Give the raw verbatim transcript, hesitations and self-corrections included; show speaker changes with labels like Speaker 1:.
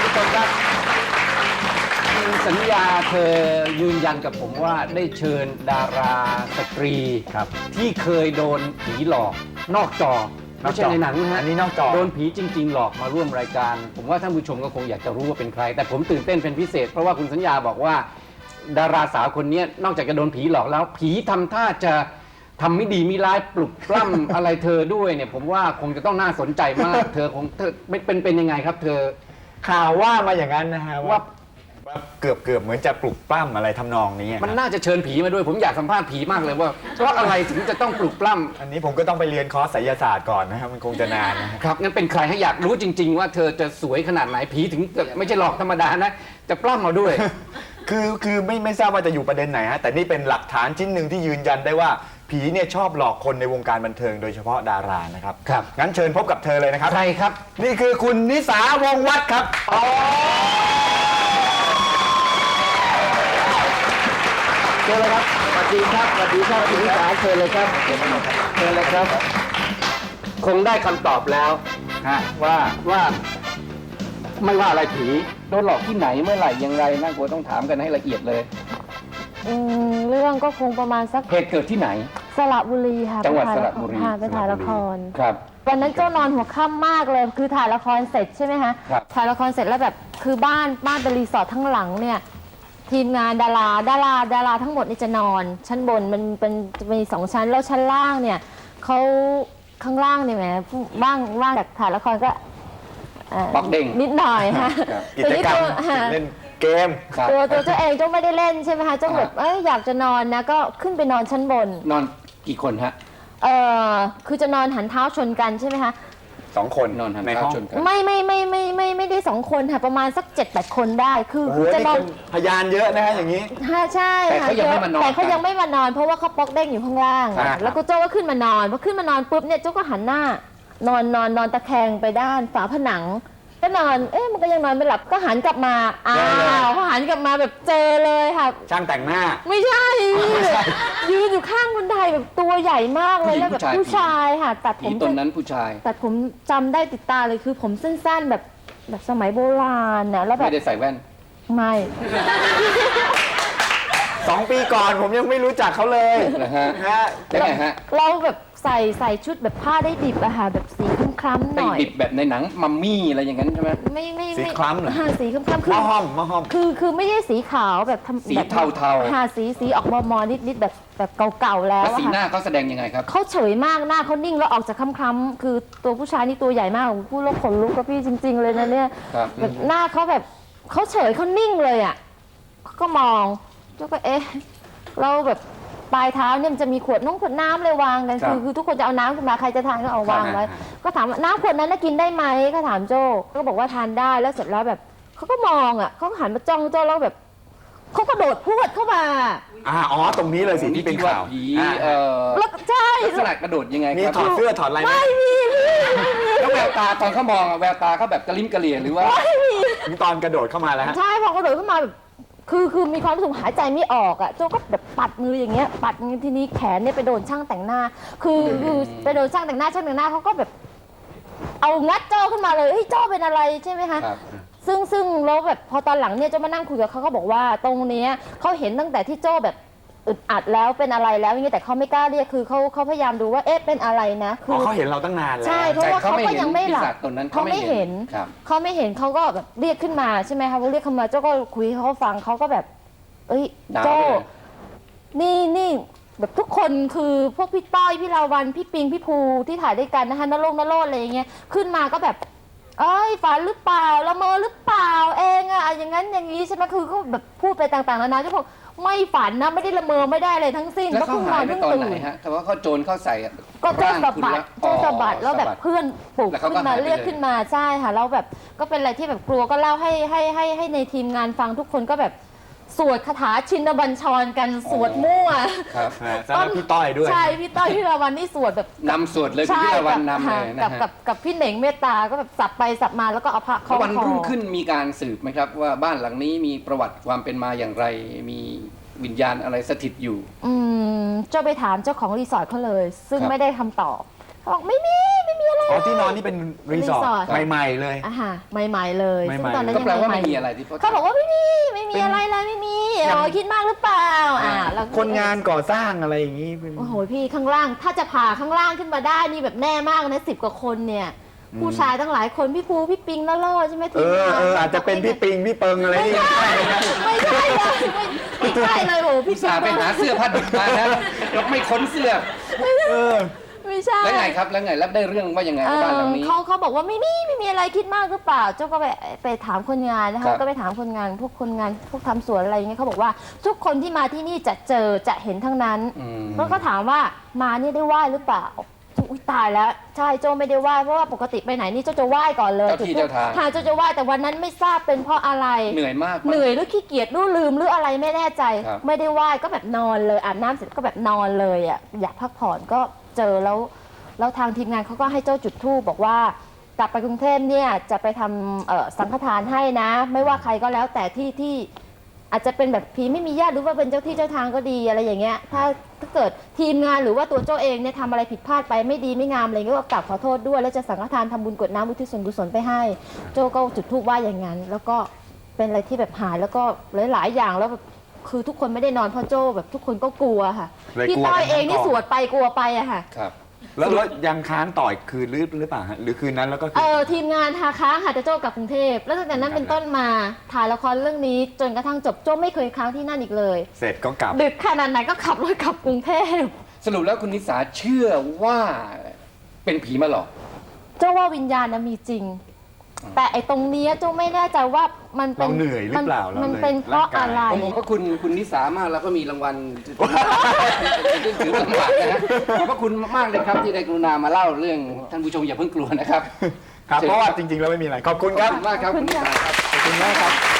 Speaker 1: ผู้ชมครับสัญญาเธอยืนยันกับผมว่าได้เชิญดาราสตรีครับที่เคยโดนผีหลอกนอกจอไม่ใช่ในหนังนะฮะ
Speaker 2: อันนี้นอกจอ
Speaker 1: โดนผีจริงๆหลอกมาร่วมรายการผมว่าท่านผู้ชมก็คงอยากจะรู้ว่าเป็นใครแต่ผมตื่นเต้นเป็นพิเศษเพราะว่าคุณสัญญาบอกว่าดาราสาวคนนี้นอกจากจะโดนผีหลอกแล้วผีทำท่าจะทำไม่ดีมีร้ายปลุกปล้ำ อะไรเธอด้วยเนี่ยผมว่าคงจะต้องน่าสนใจมาก เธอคงเธอเป็นเป็นยังไงครับ เธอ
Speaker 2: ข่าวว่ามาอย่างนั้นนะฮะ
Speaker 1: ว่า
Speaker 2: ว่าเกือบเกือบเหมือนจะปลุกปล้ำอะไรทำนองนี้
Speaker 1: มันน่าจะเชิญผีมาด้วยผมอยากสัมภาษณ์ผีมากเลยว่าเพราะอะไรถึงจะต้องปลุกปล้ำ
Speaker 2: อันนี้ผมก็ต้องไปเรียนคอร์สไสยศาสตร์ก่อนนะครับมันคงจะนานนะฮะ
Speaker 1: ครับงั้นเป็นใครให้อยากรู้จริง ๆ ว่าเธอจะสวยขนาดไหนผีถึงจะไม่ใช่หลอกธรรมดานะจะปล้ำมาด้วย
Speaker 2: คือคือไม่ไม่ทราบว่าจะอยู่ประเด็นไหนฮะแต่นี่เป็นหลักฐานชิ้นหนึ่งที่ยืนยันได้ว่าผีเนี่ยชอบหลอกคนในวงการบันเทิงโดยเฉพาะดารานะครับ
Speaker 1: ครับ
Speaker 2: งั้นเชิญพบกับเธอเลยนะครับ
Speaker 1: ใครครับ
Speaker 2: นี่คือคุณนิสาวงศ์วัฒน์ครับเชิญเลยครับ
Speaker 1: สวัสดีครับสวัสดีครับคุณนิสาเชิญเลยครับเชิญเลยครับ คงได้คำตอบแล้วฮะว่าว่าไม่ว่าอะไรผีโดนหลอกที่ไหนเมื่อไหร่อย่างไรน่ากลัวต้องถามกันให้ละเอียดเลย
Speaker 3: อืมเรื่องก็คงประมาณสัก
Speaker 1: เหตุเกิดที่ไหน
Speaker 3: สระบุรีค่ะ
Speaker 1: จังหวัด
Speaker 3: ไป
Speaker 1: ส
Speaker 3: ถ่าย
Speaker 1: ระบุรี
Speaker 3: ค่ะไปถ่ายละคร
Speaker 1: ครับ
Speaker 3: วันนั้นเจ้านอนหัวค่ำมากเลยคือถ่ายละครเสร็จใช่ไหมคะ
Speaker 1: ครับ
Speaker 3: ถ่ายละครเสร็จแล้วแบบคือบ้านบ้านเป็นรีสอร์ททั้งหลังเนี่ยทีมงานดาราดาราดาราทั้งหมดนี่จะนอน ชั้นบนมันเป็นจะมีสองชั้นแล้วชั้นล่างเนี่ยเขาข้างล่างเนี่ยแหมบ้างว่างจากถ่ายละครก็เอ่อ
Speaker 1: ป๊อกเด้ง
Speaker 3: นิดหน่อยค่ะ
Speaker 1: ครับ
Speaker 2: กิจกรรม
Speaker 3: แต่นี่ตัว
Speaker 2: เล่นเกม
Speaker 1: ครับ
Speaker 3: ตัวตัวเจ้าเองเจ้าไม่ได้เล่นใช่ไหมคะเจ้าแบบเอ้ยอยากจะนอนนะก็ขึ้นไปนอนชั้นบน
Speaker 1: นอนกี่คนฮะ
Speaker 3: เออคือจะนอนหันเท้าชนกันใช่ไหมคะ
Speaker 2: สองคน
Speaker 1: นอนหัน
Speaker 2: ใน
Speaker 1: เท้า
Speaker 2: ห้อง
Speaker 1: ชนกัน
Speaker 3: ไม่ไม่ไม่ไม่ไม่ไม่ได้สองคนค่ะประมาณสักเจ็ดแปดคนได้คือ
Speaker 2: โอ้โห
Speaker 3: จะ
Speaker 2: นี่
Speaker 3: นอน
Speaker 2: เป็นพยานเยอะนะฮะอย่างนี้
Speaker 3: ฮะใช่
Speaker 1: แต่
Speaker 3: ค่ะ
Speaker 1: เขายังไม่มานอน
Speaker 3: แต่เขายังไม่มานอน เพราะว่าเขาป๊อกเด้งอยู่ข้างล่าง
Speaker 2: ครับ
Speaker 3: แล้วก็โจ้ก็ขึ้นมานอนพอขึ้นมานอนปุ๊บเนี่ยโจ้ก็หันหน้านอนนอนนอนตะแคงไปด้านฝาผนังก็นอนเอ๊ะมันก็ยังนอนไม่หลับก็หันกลับมาอ้าวเขาหันกลับมาแบบเจอเลยค่ะ
Speaker 2: ช่างแต่งหน้า
Speaker 3: ไม่ใช่ยืนอยู่ข้างบันไดแบบตัวใหญ่มากเลยแล้วแบบผู้ชายค่ะตัดผ
Speaker 1: ผี
Speaker 3: ม
Speaker 1: ตนนั้นผู้ชาย
Speaker 3: ตัดผมจำได้ติดตาเลยคือผมสั้นๆแบบแบบสมัยโบราณนะแล้วแบ
Speaker 1: ไม่
Speaker 3: บ
Speaker 1: ได้ใส่แว่น
Speaker 3: ไม่
Speaker 2: สองปีก่อนผมยังไม่รู้จักเขาเลย
Speaker 1: นะฮะ
Speaker 2: ฮะ
Speaker 1: ยังไงฮะ
Speaker 3: เราแบบใส่ใส่ชุดแบบผ้าได้ดิบอะค่ะแบบสีคล้ำๆห
Speaker 1: ไป
Speaker 3: น่อย
Speaker 1: ดิบแบบในหนังมัมมี่อะไรอย่างนั้นใช่ไหม
Speaker 3: ไม่ไม่
Speaker 2: สี
Speaker 3: ไม่
Speaker 2: คล้ำเหรอ
Speaker 3: ฮะสีคล้ำๆคื
Speaker 2: ม
Speaker 3: อ
Speaker 2: อห้อมมอห้อม
Speaker 3: คือคือไม่ใช่สีขาวแบบทำ
Speaker 1: สี
Speaker 3: แบบ
Speaker 1: เทาๆ
Speaker 3: ฮะสีสีออกมอมอนิดนิดๆแบบแบบเก่าๆแล้ว
Speaker 1: แล้ว
Speaker 3: อะ
Speaker 1: สีหน้า
Speaker 3: ค่ะ
Speaker 1: เขาแสดงยังไงครับ
Speaker 3: เขาเฉยมากหน้าเขานิ่งแล้วออกจากคล้ำๆคือตัวผู้ชายนี่ตัวใหญ่มากพูดแล้วขนลุกกับพี่จริง ๆ เลยนะเนี่ย
Speaker 1: ครับ
Speaker 3: แบบหน้าเขาแบบเขาเฉยเขานิ่งเลยอ่ะเขาก็มองแล้วก็เอ๊ะเราแบบปลายเท้าเนี่ยมันจะมีขวดน้องขวดน้ำเลยวางกัน
Speaker 1: ครับ
Speaker 3: คือคือทุกคนจะเอาน้ำขึ้นมาใครจะทานก็เอาวางไว้
Speaker 1: ครับ
Speaker 3: ก็ถามว่าน้ำขวดนั้นน่ะกินได้ไหมก็ถามโจ้ก็บอกว่าทานได้แล้วเสร็จแล้วแบบเขาก็มองอ่ะเขาก็หันมาจ้องโจ้แล้วแบบเขาก็โดดพรวดเข้ามา
Speaker 2: อ่าอ๋อตรงนี้เลยสิที่เป็นข่าว
Speaker 1: ผี
Speaker 2: อ่า
Speaker 1: เอ่อ
Speaker 3: แล้วก็ใช่
Speaker 1: ลักษณะกระโดดยังไง
Speaker 2: มี
Speaker 1: ครับ
Speaker 2: ถอดเสื้อถอดอะไรไหม
Speaker 3: ไม่มีพี่
Speaker 1: แล้วแววตาตอนเขามองอะแววตาเขาแบบกระลิ้มกระเหลี่ยหรือว่า
Speaker 3: ไม่มี
Speaker 2: ถึงตอนกระโดดเข้ามาแล้วฮะ
Speaker 3: ใช่พอกระโดดเข้ามาแบบคือคือมีความรู้สึกหายใจไม่ออกอ่ะโจ้ก็แบบปัดมืออย่างเงี้ยปัดมือทีนี้แขนเนี่ยไปโดนช่างแต่งหน้า คือคือไปโดนช่างแต่งหน้าช่างแต่งหน้าเขาก็แบบ เอางัดโจ้ขึ้นมาเลยเฮ้ยโจ้เป็นอะไรใช่ไหมคะ
Speaker 1: ครับ
Speaker 3: ซึ่งซึ่งแล้วแบบพอตอนหลังเนี่ยโจ้มานั่งคุยกับเขาเขาบอกว่าตรงเนี้ยเขาเห็นตั้งแต่ที่โจ้แบบอึดอัดแล้วเป็นอะไรแล้วอย่างเงี้ยแต่เขาไม่กล้าเรียกคือเขาเขาพยายามดูว่าเอ๊ะเป็นอะไรนะคื
Speaker 2: อ๋อเขาเห็นเราตั้งนานแล้ว
Speaker 3: ใช่เพราะว่าเขาก็ยังไม่หลับ
Speaker 1: แต่เขาไม่เห็นปีศาจตนนั้น
Speaker 3: เขาไม่เห็น
Speaker 1: ครับ
Speaker 3: เขาไม่เห็นเขาก็แบบเรียกขึ้นมาใช่ไหมคะพอเรียกขึ้นมาเจ้าก็คุยให้เขาฟังเขาก็แบบ เอ้ย
Speaker 1: ด่า
Speaker 3: โจ้
Speaker 1: เลย
Speaker 3: นี่นี่แบบทุกคนคือพวกพี่ต้อยพี่ลาวันพี่ปิงพี่ภูที่ถ่ายด้วยกันนะคะนรงนโรดอะไรอย่างเงี้ยขึ้นมาก็แบบเอ้ยฝันหรือเปล่าละเมอหรือเปล่าเองอะอย่างนั้นอย่างนี้ใช่ไหมคือเขาแบบพูดไปต่างๆนานาเจ้าบอกไม่ฝันนะไม่ได้ละเมอไม่ได้อะไรทั้งสิ้น
Speaker 1: แล้วเขา
Speaker 3: เพิ่งน
Speaker 1: หา
Speaker 3: อย น
Speaker 1: ไป
Speaker 3: เพิ่ง
Speaker 1: ตอน
Speaker 3: ตื่
Speaker 1: ไหน
Speaker 3: น
Speaker 1: ฮะแต่ว่าเขาโจรเข้าใส่อะ
Speaker 3: ก็เจ้าสะบัด
Speaker 1: ร่างคุณ
Speaker 3: เจ้าสะบัด
Speaker 1: อ๋อ
Speaker 3: แล้วแบบ
Speaker 1: สะด
Speaker 3: เพื่อนปลุก
Speaker 1: แล้วเขา
Speaker 3: ขึ้นมา
Speaker 1: ก็หายไป
Speaker 3: เรียก
Speaker 1: เลย
Speaker 3: ขึ้นมาใช่ค่ะแล้วแบบก็เป็นอะไรที่แบบกลัวก็เล่าให้ให้ให้ให้ในทีมงานฟังทุกคนก็แบบสวดคาถาชินบัญชรกันสวดมั่ว
Speaker 1: ครับ
Speaker 2: อ่าสำหรับพี่ต้อยด้วย
Speaker 3: ใช่พี่ต้อยพี่ลาวันนี่สวดแบบ
Speaker 1: นำสวดเลยคุณ
Speaker 3: ใช่
Speaker 1: พิรวัน
Speaker 3: กับ
Speaker 1: นำเลยนะ
Speaker 3: กับ
Speaker 1: ฮะ
Speaker 3: กับกับพี่เหน่งเมตตาก็แบบสับไปสับมาแล้วก็เอาพระคล้
Speaker 1: แล้
Speaker 3: อ
Speaker 1: ว
Speaker 3: ง
Speaker 1: วัน
Speaker 3: คอ
Speaker 1: รุ่งขึ้นมีการสืบไหมครับ ว่าบ้านหลังนี้มีประวัติความเป็นมาอย่างไร มีวิญญาณอะไรสถิตอยู่
Speaker 3: อืมเจ้าไปถามเจ้าของรีสอร์ทเขาเลย ซึ่ง
Speaker 1: ครับ
Speaker 3: ไม่ได้คำตอบ เขบอกไม่มีไม่มีอะไร
Speaker 2: อ๋อที่นอนนี่เป็นรีสอร์
Speaker 3: รีสอร์
Speaker 2: ท
Speaker 3: ท
Speaker 2: ใหม่ๆเลย
Speaker 3: อ่ะฮะใหม่ๆเลย
Speaker 2: ใหม่ๆ
Speaker 3: ซึ่งตอนนั้น
Speaker 1: ก็
Speaker 3: ยัง
Speaker 1: แปลว่า
Speaker 3: ให
Speaker 1: ไม่
Speaker 3: ม่ๆ
Speaker 1: มีอะไรที่
Speaker 3: เขาบอกว่าไม่มีไม่มีอะไรเลยไม่มีอ๋อคิดมากหรือเปล่าอ่าแล้ว
Speaker 2: คนงานก่อสร้างอะไรอย่างนี้เป็น
Speaker 3: โอ้โหพี่ข้างล่างถ้าจะผ่าข้างล่างขึ้นมาได้นี่แบบแน่มากนะสิบกว่าคนเนี่ย ผู้ชายตั้งหลายคนพี่ภูพี่ปิงแล้วโลดใช่ไหม
Speaker 2: เอ
Speaker 3: ทีม
Speaker 2: อง
Speaker 3: าน
Speaker 2: เอออาจจะเป็นพี่ปิงพี่เปิงอะไร
Speaker 3: ไม่
Speaker 2: นี่
Speaker 3: ใช่ไม่ใช่เลยไม่ไม่ใช่เลยโอ้โห
Speaker 1: พิ
Speaker 3: พี่
Speaker 1: สาห์ไปหาเสื้อผ้าดิบมานะแล้วไม่ค้นเสื้อ
Speaker 2: เออ
Speaker 3: ไม่ใช่
Speaker 1: แล้วไงครับแล้วไงแล้วได้เรื่องว่ายังไง
Speaker 3: เอ
Speaker 1: บ้านหลั
Speaker 3: อง
Speaker 1: นี้
Speaker 3: เขาเขาบอกว่าไม่มีไม่มีอะไรคิดมากหรือเปล่าเจ้าก็ไปไปถามคนงานนะ
Speaker 1: ครั
Speaker 3: คะ
Speaker 1: บ
Speaker 3: ก็ไปถามคนงานพวกคนงานพวกทำสวนอะไรอย่างเงี้ยเขาบอกว่าทุกคนที่มาที่นี่จะเจอจะเห็นทั้งนั้น
Speaker 1: อืม
Speaker 3: แล้วก็ถามว่ามานี่ได้ไหว้หรือเปล่าอุ้ยตายแล้วใช่โจไม่ได้ไหว้เพราะว่าปกติไปไหนนี่โจจะไหว้ก่อนเลย
Speaker 1: เจ้าที่เจ้าทาง
Speaker 3: หาโจจะไหว้แต่วันนั้นไม่ทราบเป็นเพราะอะไร
Speaker 1: เหนื่อยมาก
Speaker 3: เหนื่อยหรือขี้เกียจหรือลืมหรืออะไรไม่แน่ใจ
Speaker 1: ครับ
Speaker 3: ไม่ได้ไหว้ก็แบบนอนเลยอาบน้ำเสร็จก็แบบนอนเลยอ่ะอยากพักผ่อนก็เจอแล้วแล้วทางทีมงานเขาก็ให้โจ้จุดธูปบอกว่ากลับไปกรุงเทพเนี่ยจะไปทำเอ่อสังฆทานให้นะ ไม่ว่าใครก็แล้วแต่ที่ที่อาจจะเป็นแบบผีไม่มีญาติหรือว่าเป็นเจ้าที่เจ้าทางก็ดีอะไรอย่างเงี้ยถ้าถ้าเกิดทีมงานหรือว่าตัวโจ้เองเนี่ยทำอะไรผิดพลาดไปไม่ดีไม่งามอะไรเงี้ยก็กลับขอโทษด้วยแล้วจะสังฆทานทำบุญกรวดน้ำอุทิศส่วนกุศลไปให้ โจ้ก็จุดธูปไหว้อย่างนั้น แล้วก็เป็นอะไรที่แบบหายแล้วก็หลาย ๆ อย่างแล้วแบบคือทุกคนไม่ได้นอนเพราะโจ้แบบทุกคนก็กลัวค่ะ
Speaker 2: เลย
Speaker 3: พี่
Speaker 2: กลัว
Speaker 3: ต้อย
Speaker 2: กัน
Speaker 3: เองนี่
Speaker 2: ทั้งกอง
Speaker 3: สวดไปกลัวไปอะค่ะ
Speaker 1: ครับ
Speaker 2: แล้วแล้วยังค้างต่ออีกคืนหรือหรือเปล่าฮะหรือคืนนั้นแล้วก็คื
Speaker 3: เออทีมงานทาค้างค่ะแต่โจ้กลับกรุงเทพแล้วตั้งแต่นั้นเป็นต้นมาถ่ายละครเรื่องนี้จนกระทั่งจบโจ้ไม่เคยค้างที่นั่นอีกเลย
Speaker 2: เสร็จก็กลับ
Speaker 3: ดึกขนาดไหนก็ขับรถกลับกรุงเทพ
Speaker 1: สรุปแล้วคุณนิสาเชื่อว่าเป็นผีมาหลอก
Speaker 3: โจ้ว่าวิญญาณนะมีจริง แต่ไอ้ตรงเนี้ยโจ้ไม่แน่ใจว่ามันเป็น
Speaker 2: เราเหนื่อยหรือเปล่าเรา
Speaker 3: มัน
Speaker 2: เลย
Speaker 3: เป็นเพราะอะไร
Speaker 1: ผมผมก็คุณคุณนิสามากแล้วก็มีรางวัลเป็นถือสมบัตินะฮะขอบพระคุณมากเลยครับที่ได้กรุณามาเล่าเรื่องท่านผู้ชมอย่าเพิ่งกลัวนะครับ
Speaker 2: ครับเพราะว่าจริงๆแล้วไม่มีอะไรขอบคุณ
Speaker 1: ข
Speaker 2: ค
Speaker 1: อ
Speaker 2: รั
Speaker 1: บบ คุณมากครับคุณนิสาครับ
Speaker 2: ขอบคุณมากครับ